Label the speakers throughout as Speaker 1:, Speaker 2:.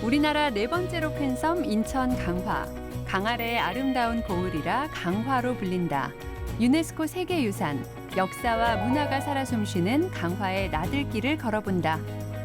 Speaker 1: 우리나라 네 번째로 큰 섬 인천 강화. 강아래의 아름다운 고을이라 강화로 불린다. 유네스코 세계유산, 역사와 문화가 살아 숨쉬는 강화의 나들길을 걸어본다.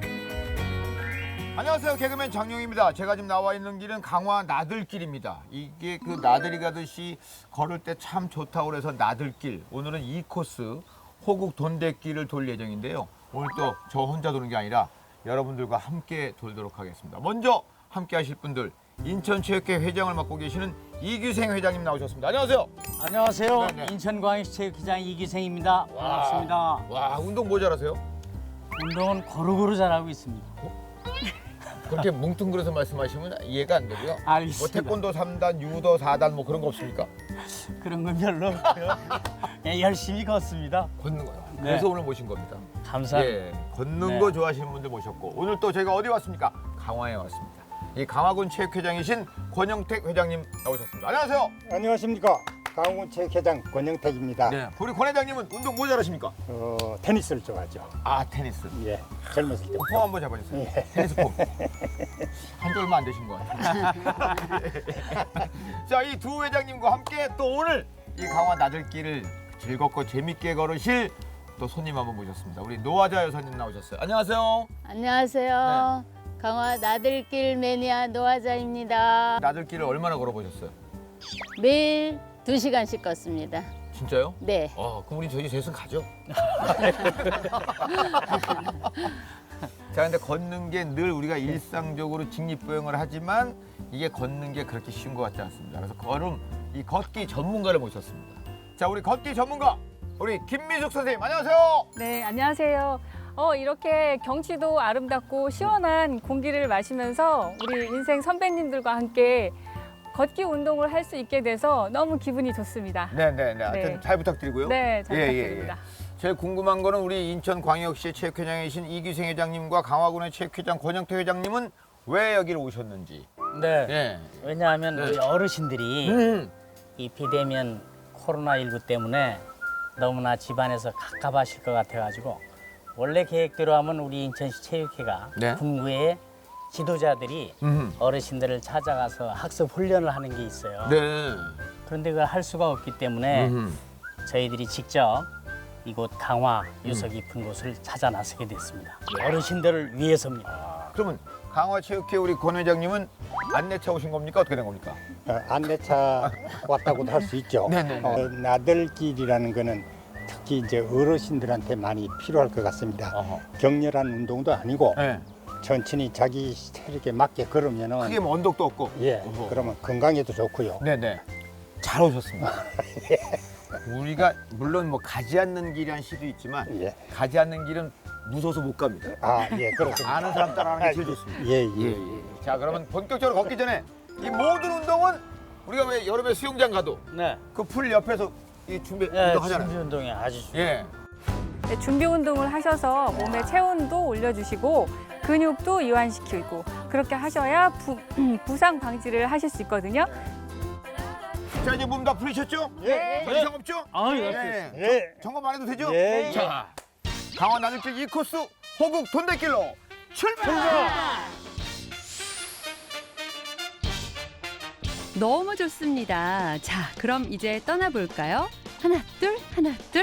Speaker 2: 안녕하세요. 개그맨 장용입니다. 제가 지금 나와 있는 길은 강화 나들길입니다. 이게 그 나들이 가듯이 걸을 때 참 좋다고 그래서 나들길. 오늘은 2코스 호국 돈대길을 돌 예정인데요. 오늘 또 저 혼자 도는 게 아니라 여러분들과 함께 돌도록 하겠습니다. 먼저 함께 하실 분들, 인천체육회 회장을 맡고 계시는 이규생 회장님 나오셨습니다. 안녕하세요.
Speaker 3: 안녕하세요.
Speaker 2: 네네.
Speaker 3: 인천광역시 체육회장 이기생입니다. 반갑습니다.
Speaker 2: 와, 운동 뭐 잘하세요?
Speaker 3: 운동은 고루고루 잘하고 있습니다.
Speaker 2: 그렇게 뭉뚱그려서 말씀하시면 이해가 안 되고요. 뭐
Speaker 3: 알겠습니다.
Speaker 2: 태권도 3단, 유도 4단 뭐 그런 거 없습니까?
Speaker 3: 그런 건 별로 없고요. 예, 열심히 걷습니다.
Speaker 2: 걷는 거요.
Speaker 3: 네.
Speaker 2: 그래서 오늘 모신 겁니다.
Speaker 3: 감사합니다.
Speaker 2: 예, 걷는
Speaker 3: 네.
Speaker 2: 거 좋아하시는 분들 모셨고 오늘 또 저희가 어디 왔습니까? 강화에 왔습니다. 이 강화군 체육회장이신 권영택 회장님 나오셨습니다. 안녕하세요.
Speaker 4: 안녕하십니까. 강원군 체육회장 권영택입니다.
Speaker 2: 네. 우리 권 회장님은 운동 뭐 잘하십니까?
Speaker 4: 테니스를 좋아하죠.
Speaker 2: 아, 테니스.
Speaker 4: 예, 젊었을 때.
Speaker 2: 폼 한번 잡아주세요. 테니스 폼. 한지 얼마 안 되신 것 같아요. 자, 이 두 회장님과 함께 또 오늘 이 강화 나들길을 즐겁고 재밌게 걸으실 또 손님 한번 모셨습니다. 우리 노아자 여사님 나오셨어요. 안녕하세요.
Speaker 5: 안녕하세요. 강화 나들길 매니아 노아자입니다.
Speaker 2: 나들길을 얼마나 걸어보셨어요?
Speaker 5: 매일 2시간씩 걷습니다.
Speaker 2: 진짜요?
Speaker 5: 네.
Speaker 2: 그럼 우리 저희 셋은 가죠. 자, 근데 걷는 게 늘 우리가 일상적으로 직립보행을 하지만 이게 걷는 게 그렇게 쉬운 것 같지 않습니다. 그래서 이 걷기 전문가를 모셨습니다. 자, 우리 걷기 전문가 우리 김미숙 선생님 안녕하세요.
Speaker 6: 네, 안녕하세요. 이렇게 경치도 아름답고 시원한 공기를 마시면서 우리 인생 선배님들과 함께 걷기 운동을 할 수 있게 돼서 너무 기분이 좋습니다.
Speaker 2: 네네네. 하여튼
Speaker 6: 네.
Speaker 2: 잘 부탁드리고요.
Speaker 6: 네, 잘
Speaker 2: 예, 예,
Speaker 6: 부탁드립니다.
Speaker 2: 제일 궁금한 거는 우리 인천광역시 체육회장이신 이규생 회장님과 강화군의 체육회장 권영태 회장님은 왜 여기를 오셨는지.
Speaker 3: 네.
Speaker 2: 예.
Speaker 3: 왜냐하면 우리 어르신들이 이 비대면 코로나19 때문에 너무나 집안에서 갑갑하실 것 같아가지고 원래 계획대로 하면 우리 인천시 체육회가
Speaker 2: 네.
Speaker 3: 군구에 지도자들이
Speaker 2: 음.
Speaker 3: 어르신들을 찾아가서 학습 훈련을 하는 게 있어요.
Speaker 2: 네.
Speaker 3: 그런데 그걸 할 수가 없기 때문에 저희들이 직접 이곳 강화 유서 깊은 곳을 찾아 나서게 됐습니다. 어르신들을 위해서입니다.
Speaker 2: 그러면 강화체육회 우리 권 회장님은 안내차 오신 겁니까? 어떻게 된 겁니까?
Speaker 4: 안내차 왔다고도 할 수 있죠.
Speaker 2: 네네네.
Speaker 4: 나들길이라는 거는 특히 이제 어르신들한테 많이 필요할 것 같습니다.
Speaker 2: 어허.
Speaker 4: 격렬한 운동도 아니고
Speaker 2: 네.
Speaker 4: 천천히 자기 체력에 맞게 걸으면은
Speaker 2: 크게 뭐 언덕도 없고.
Speaker 4: 예,
Speaker 2: 어허.
Speaker 4: 그러면 건강에도 좋고요.
Speaker 2: 네네. 잘 오셨습니다. 우리가 물론 뭐 가지 않는 길이란 시도 있지만
Speaker 4: 예.
Speaker 2: 가지 않는 길은 무서워서 못 갑니다.
Speaker 4: 아, 예, 그렇습니다.
Speaker 2: 아는 사람 따라가는 게 제일 좋습니다.
Speaker 4: 예, 예, 예.
Speaker 2: 자, 그러면 본격적으로 걷기 전에 이 모든 운동은 우리가 왜 여름에 수영장 가도
Speaker 3: 네.
Speaker 2: 그 풀 옆에서 이 준비
Speaker 3: 예,
Speaker 2: 운동하잖아요.
Speaker 3: 준비 운동이 아주
Speaker 2: 예.
Speaker 6: 네, 준비 운동을 하셔서 몸의 체온도 올려주시고 근육도 이완시키고 그렇게 하셔야 부상 방지를 하실 수 있거든요.
Speaker 2: 자, 이제 몸 다 풀리셨죠?
Speaker 4: 예.
Speaker 2: 더 이상 없죠?
Speaker 3: 아유,
Speaker 2: 예.
Speaker 4: 예.
Speaker 2: 점검 안 해도 되죠?
Speaker 4: 예.
Speaker 2: 자, 강화 나들길 2코스 호국 돈대길로 출발!
Speaker 1: 너무 좋습니다. 자, 그럼 이제 떠나볼까요? 하나, 둘, 하나, 둘.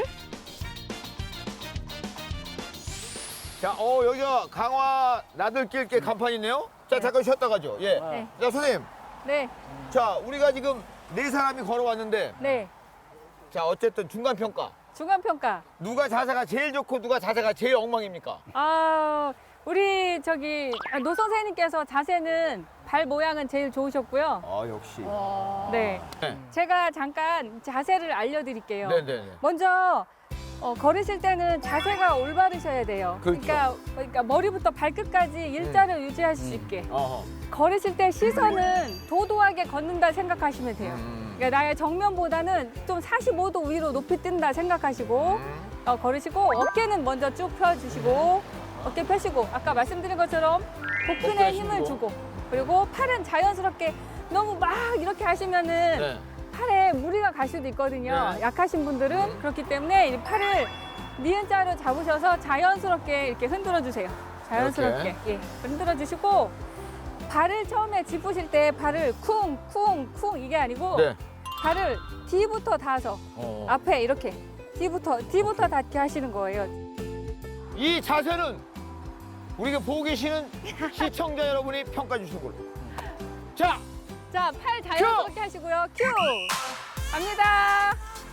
Speaker 2: 자, 여기가 강화 나들길 게 간판이 있네요. 자, 잠깐 쉬었다 가죠. 예.
Speaker 6: 네.
Speaker 2: 자, 선생님.
Speaker 6: 네,
Speaker 2: 자, 우리가 지금 네 사람이 걸어왔는데,
Speaker 6: 네.
Speaker 2: 자, 어쨌든 중간 평가.
Speaker 6: 중간 평가.
Speaker 2: 누가 자세가 제일 좋고 누가 자세가 제일 엉망입니까?
Speaker 6: 우리 노 선생님께서 자세는 발 모양은 제일 좋으셨고요.
Speaker 2: 역시.
Speaker 6: 네.
Speaker 2: 네.
Speaker 6: 제가 잠깐 자세를 알려드릴게요.
Speaker 2: 네네네.
Speaker 6: 먼저 걸으실 때는 자세가 올바르셔야 돼요.
Speaker 2: 그렇죠.
Speaker 6: 그러니까 머리부터 발끝까지 일자를 유지하실 수 있게.
Speaker 2: 어허.
Speaker 6: 걸으실 때 시선은 도도하게 걷는다 생각하시면 돼요. 그러니까 나의 정면보다는 좀 45도 위로 높이 뜬다 생각하시고 걸으시고 어깨는 먼저 쭉 펴주시고 어깨 펴시고 아까 말씀드린 것처럼 복근에
Speaker 2: 복근에
Speaker 6: 힘을
Speaker 2: 힘으로.
Speaker 6: 주고 그리고 팔은 자연스럽게 너무 막 이렇게 하시면은
Speaker 2: 네.
Speaker 6: 팔에 무리가 갈 수도 있거든요.
Speaker 2: 네.
Speaker 6: 약하신 분들은 그렇기 때문에 이 팔을 니은자로 잡으셔서 자연스럽게 이렇게 흔들어 주세요. 자연스럽게 예, 흔들어 주시고 발을 처음에 짚으실 때 발을 쿵쿵쿵 이게 아니고
Speaker 2: 네.
Speaker 6: 발을 뒤부터 닿아서 앞에 이렇게 뒤부터 닿게 하시는 거예요.
Speaker 2: 이 자세는 우리가 보고 계시는 시청자 여러분이 평가해 주신 걸로. 자,
Speaker 6: 자, 팔 자연스럽게 하시고요. 큐! 갑니다.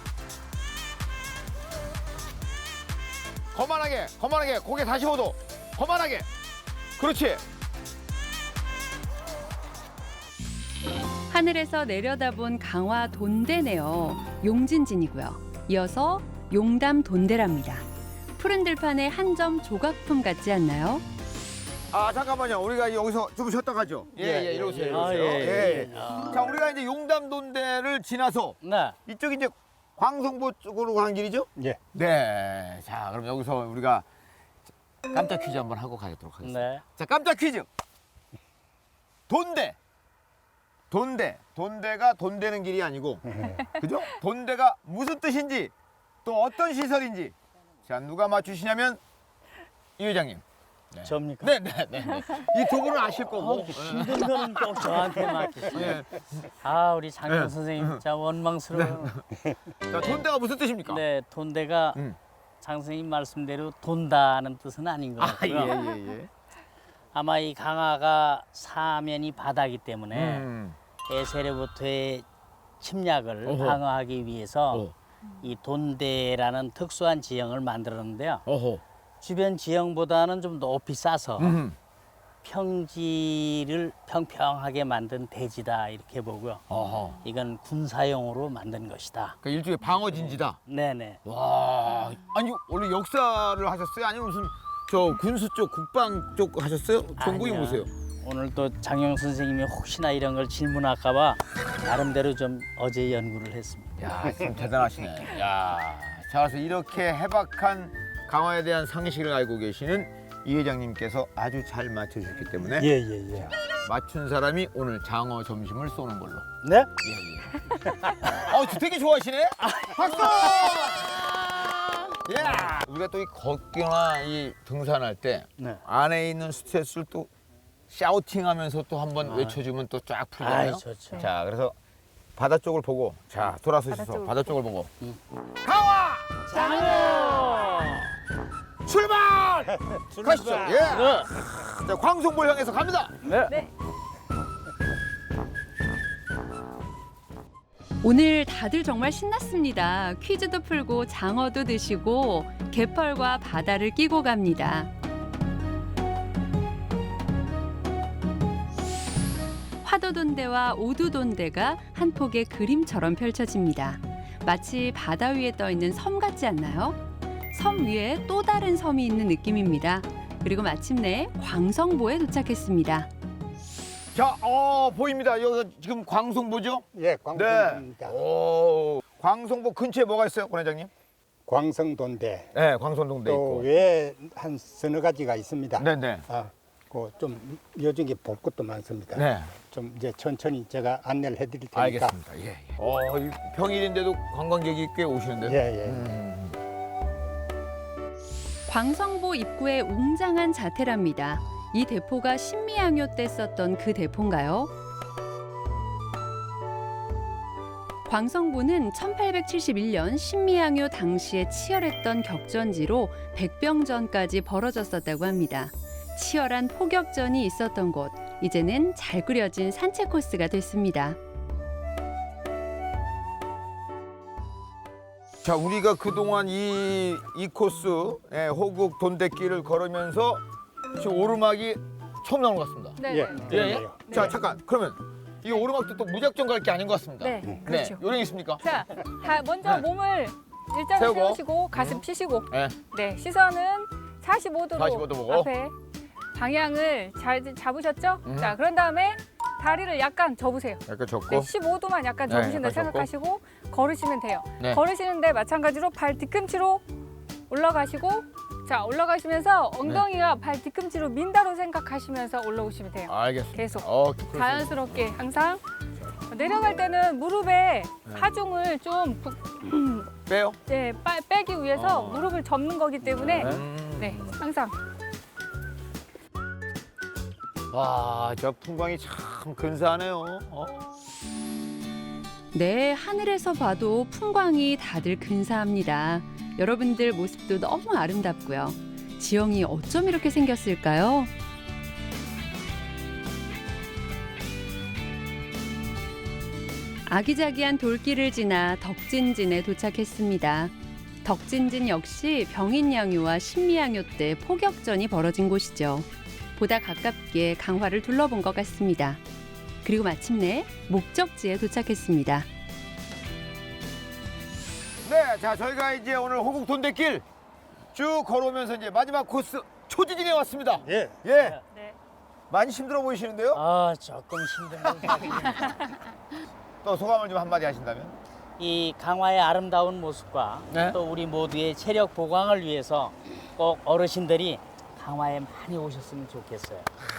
Speaker 2: 거만하게 고개 45도. 거만하게. 그렇지.
Speaker 1: 하늘에서 내려다본 강화 돈대네요. 용진진이고요. 이어서 용담 돈대랍니다. 푸른 들판의 한 점 조각품 같지 않나요?
Speaker 2: 아, 잠깐만요. 우리가 여기서 좀 쉬었다 가죠. 예, 이러세요.
Speaker 3: 아,
Speaker 2: 예. 자, 우리가 이제 용담돈대를 지나서
Speaker 3: 네.
Speaker 2: 이쪽이 이제 광성보 쪽으로 가는 길이죠?
Speaker 4: 예.
Speaker 2: 네. 자, 그럼 여기서 우리가 깜짝 퀴즈 한번 하고 가도록 하겠습니다.
Speaker 3: 네.
Speaker 2: 자, 깜짝 퀴즈. 돈대. 돈대가 돈 되는 길이 아니고, 그죠? 돈대가 무슨 뜻인지, 또 어떤 시설인지. 자, 누가 맞추시냐면 이 회장님.
Speaker 3: 접니까?
Speaker 2: 네. 이 두 분은 아실 거고.
Speaker 3: 힘든 거는 꼭 저한테 맡기세요.
Speaker 2: 예.
Speaker 3: 아, 우리 장영
Speaker 2: 네.
Speaker 3: 선생님 진짜 원망스러워요.
Speaker 2: 자, 돈대가 무슨 뜻입니까?
Speaker 3: 네, 돈대가 장 선생님 말씀대로 돈다는 뜻은 아닌 것
Speaker 2: 아,
Speaker 3: 같고요.
Speaker 2: 예.
Speaker 3: 아마 이 강화가 사면이 바다이기 때문에
Speaker 2: 음.
Speaker 3: 에세로부터의 침략을
Speaker 2: 어허.
Speaker 3: 방어하기 위해서
Speaker 2: 어.
Speaker 3: 이 돈대라는 특수한 지형을 만들었는데요.
Speaker 2: 어허.
Speaker 3: 주변 지형보다는 좀 높이 싸서 평지를 평평하게 만든 대지다 이렇게 보고요.
Speaker 2: 어허.
Speaker 3: 이건 군사용으로 만든 것이다.
Speaker 2: 그러니까 일종의 방어진지다.
Speaker 3: 네네.
Speaker 2: 와, 아니 원래 역사를 하셨어요? 아니면 무슨 저 군수 쪽, 국방 쪽 하셨어요? 전공이
Speaker 3: 아니요.
Speaker 2: 뭐세요?
Speaker 3: 오늘 또 장영 선생님이 혹시나 이런 걸 질문할까봐 나름대로 좀 어제 연구를 했습니다.
Speaker 2: 야, 참 대단하시네. 야, 자, 그래서 이렇게 해박한 강화에 대한 상식을 알고 계시는 이 회장님께서 아주 잘 맞춰주셨기 때문에
Speaker 4: 예.
Speaker 2: 맞춘 사람이 오늘 장어 점심을 쏘는 걸로.
Speaker 3: 네?
Speaker 2: 저 되게 좋아하시네. 박수! 야, 우리가 또 이 걷기나 이 등산할 때
Speaker 3: 네.
Speaker 2: 안에 있는 스트레스를 또 샤우팅하면서 또 한번 외쳐주면 또 쫙 풀잖아요.
Speaker 3: 아이, 좋죠.
Speaker 2: 자, 그래서 바다 쪽을 보고, 자, 돌아서셔서
Speaker 6: 쪽을
Speaker 2: 바다 쪽을 보고. 강화!
Speaker 3: 장어!
Speaker 2: 출발! 가시죠. 예. 자, 광송볼 향해서 갑니다.
Speaker 6: 네.
Speaker 1: 오늘 다들 정말 신났습니다. 퀴즈도 풀고 장어도 드시고 갯벌과 바다를 끼고 갑니다. 화도돈대와 오두돈대가 한 폭의 그림처럼 펼쳐집니다. 마치 바다 위에 떠 있는 섬 같지 않나요? 섬 위에 또 다른 섬이 있는 느낌입니다. 그리고 마침내 광성보에 도착했습니다.
Speaker 2: 자, 보입니다. 여기가 지금 광송보죠?
Speaker 4: 예, 광성도입니다.
Speaker 2: 오, 광송보 근처에 뭐가 있어요, 권 회장님?
Speaker 4: 광성도인데
Speaker 2: 네, 광선동도
Speaker 4: 또
Speaker 2: 있고.
Speaker 4: 외에 한 서너 가지가 있습니다.
Speaker 2: 네네.
Speaker 4: 좀 요즘에 볼 것도 많습니다.
Speaker 2: 네.
Speaker 4: 좀 이제 천천히 제가 안내를 해드릴 테니까.
Speaker 2: 알겠습니다. 예. 이 평일인데도 관광객이 꽤 오시는데요.
Speaker 4: 예.
Speaker 1: 광성보 입구에 웅장한 자태랍니다. 이 대포가 신미양요 때 썼던 그 대포인가요? 광성보는 1871년 신미양요 당시에 치열했던 격전지로 백병전까지 벌어졌었다고 합니다. 치열한 포격전이 있었던 곳, 이제는 잘 꾸려진 산책 코스가 됐습니다.
Speaker 2: 자, 우리가 그동안 이 코스, 호국 돈대길을 걸으면서 지금 오르막이 처음 나온 것 같습니다.
Speaker 6: 네.
Speaker 4: 예.
Speaker 6: 네.
Speaker 2: 자, 잠깐. 그러면 이 오르막도 또 무작정 갈 게 아닌 것 같습니다.
Speaker 6: 네, 그렇죠.
Speaker 2: 요령 있습니까?
Speaker 6: 자, 먼저
Speaker 2: 네.
Speaker 6: 몸을 일자로
Speaker 2: 세우고.
Speaker 6: 세우시고 가슴 펴시고
Speaker 2: 네.
Speaker 6: 네, 시선은 45도로
Speaker 2: 45도 보고.
Speaker 6: 앞에 방향을 잘 잡으셨죠? 자, 그런 다음에 다리를 약간 접으세요.
Speaker 2: 약간 접고.
Speaker 6: 네, 15도만 약간
Speaker 2: 네,
Speaker 6: 접으신다
Speaker 2: 약간
Speaker 6: 생각하시고 걸으시면 돼요.
Speaker 2: 네.
Speaker 6: 걸으시는데 마찬가지로 발 뒤꿈치로 올라가시고 자, 올라가시면서 엉덩이가 발 뒤꿈치로 민다로 생각하시면서 올라오시면 돼요.
Speaker 2: 알겠습니다.
Speaker 6: 계속.
Speaker 2: 그렇습니다.
Speaker 6: 자연스럽게 항상 내려갈 때는 무릎에 하중을 좀
Speaker 2: 빼요?
Speaker 6: 빼기 위해서 무릎을 접는 거기 때문에
Speaker 2: 네.
Speaker 6: 네, 항상
Speaker 2: 와, 저 풍광이 참 근사하네요.
Speaker 1: 네, 하늘에서 봐도 풍광이 다들 근사합니다. 여러분들 모습도 너무 아름답고요. 지형이 어쩜 이렇게 생겼을까요? 아기자기한 돌길을 지나 덕진진에 도착했습니다. 덕진진 역시 병인양요와 신미양요 때 포격전이 벌어진 곳이죠. 보다 가깝게 강화를 둘러본 것 같습니다. 그리고 마침내 목적지에 도착했습니다.
Speaker 2: 네, 자 저희가 이제 오늘 호국 돈대길 쭉 걸어오면서 이제 마지막 코스 초지진에 왔습니다.
Speaker 4: 예.
Speaker 2: 예.
Speaker 6: 네.
Speaker 2: 많이 힘들어 보이시는데요?
Speaker 3: 아, 조금 힘든 건
Speaker 2: 또 소감을 좀 한마디 하신다면?
Speaker 3: 이 강화의 아름다운 모습과
Speaker 2: 네.
Speaker 3: 또 우리 모두의 체력 보강을 위해서 꼭 어르신들이 강화에 많이 오셨으면 좋겠어요.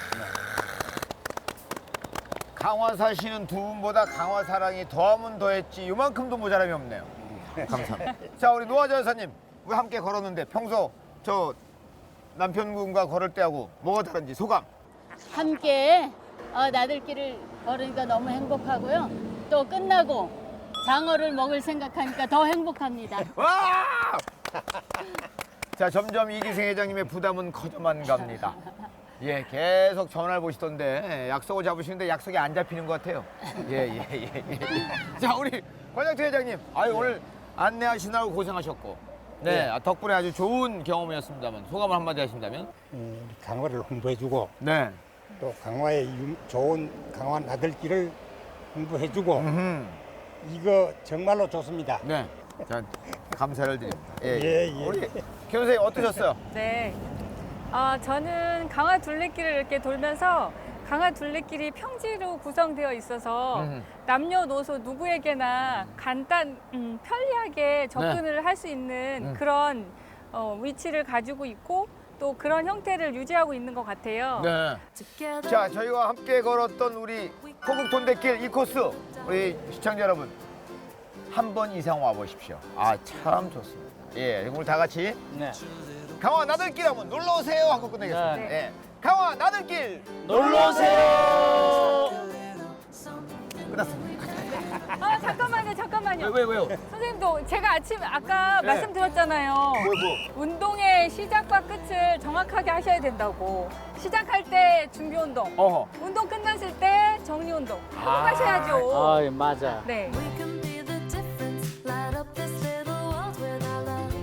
Speaker 2: 강화 사시는 두 분보다 강화 사랑이 더하면 더했지 이만큼도 모자람이 없네요. 감사합니다. 자 우리 노화자 여사님, 우리 함께 걸었는데 평소 저 남편분과 걸을 때하고 뭐가 다른지 소감?
Speaker 5: 함께 나들길을 걸으니까 너무 행복하고요. 또 끝나고 장어를 먹을 생각하니까 더 행복합니다.
Speaker 2: 와! 자 점점 이기생 회장님의 부담은 커져만 갑니다. 예, 계속 전화를 보시던데 약속을 잡으시는데 약속이 안 잡히는 것 같아요. 예. 자 우리 권양태 회장님, 아유 오늘 안내하시느라고 고생하셨고, 네 덕분에 아주 좋은 경험이었습니다만 소감을 한마디 하신다면?
Speaker 4: 우리 강화를 홍보해주고
Speaker 2: 네.
Speaker 4: 또 강화의 좋은 강화 나들길을 홍보해주고 이거 정말로 좋습니다.
Speaker 2: 네. 자, 감사를 드립니다.
Speaker 4: 예.
Speaker 2: 우리 김 선생님 어떠셨어요?
Speaker 6: 네. 저는 강화 둘레길을 이렇게 돌면서 강화 둘레길이 평지로 구성되어 있어서 남녀노소 누구에게나 편리하게 접근을 할 수 있는 그런 위치를 가지고 있고 또 그런 형태를 유지하고 있는 것 같아요.
Speaker 2: 네. 자, 저희와 함께 걸었던 우리 호국 돈대길 이 코스 우리 시청자 여러분 한 번 이상 와 보십시오. 아, 참 좋습니다. 예, 오늘 다 같이
Speaker 3: 네.
Speaker 2: 강화 나들길 한번 놀러 오세요 하고 끝내겠습니다.
Speaker 3: 네.
Speaker 2: 예. 강화 나들길
Speaker 3: 놀러 오세요.
Speaker 2: 끝났습니다.
Speaker 6: 잠깐만요.
Speaker 2: 왜요?
Speaker 6: 선생님도 제가 아까
Speaker 2: 네.
Speaker 6: 말씀드렸잖아요.
Speaker 2: 뭐.
Speaker 6: 운동의 시작과 끝을 정확하게 하셔야 된다고. 시작할 때 준비 운동,
Speaker 2: 어허.
Speaker 6: 운동 끝났을 때 정리 운동 하고 가셔야죠.
Speaker 3: 아, 맞아.
Speaker 6: 네.
Speaker 7: We can be the difference, light up this little world with our love.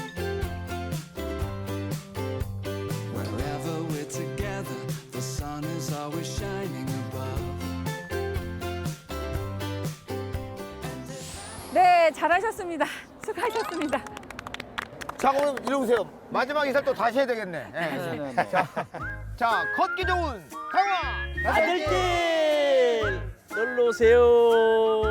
Speaker 8: Wherever we're together, the sun is always shining above.
Speaker 6: 네, 잘하셨습니다. 수고하셨습니다.
Speaker 2: 자, 오늘 이러세요. 마지막 인사 또 다시 해야 되겠네. 예.
Speaker 3: 네.
Speaker 2: 자, 걷기 좋은 강화
Speaker 3: 나들길 놀러 오세요.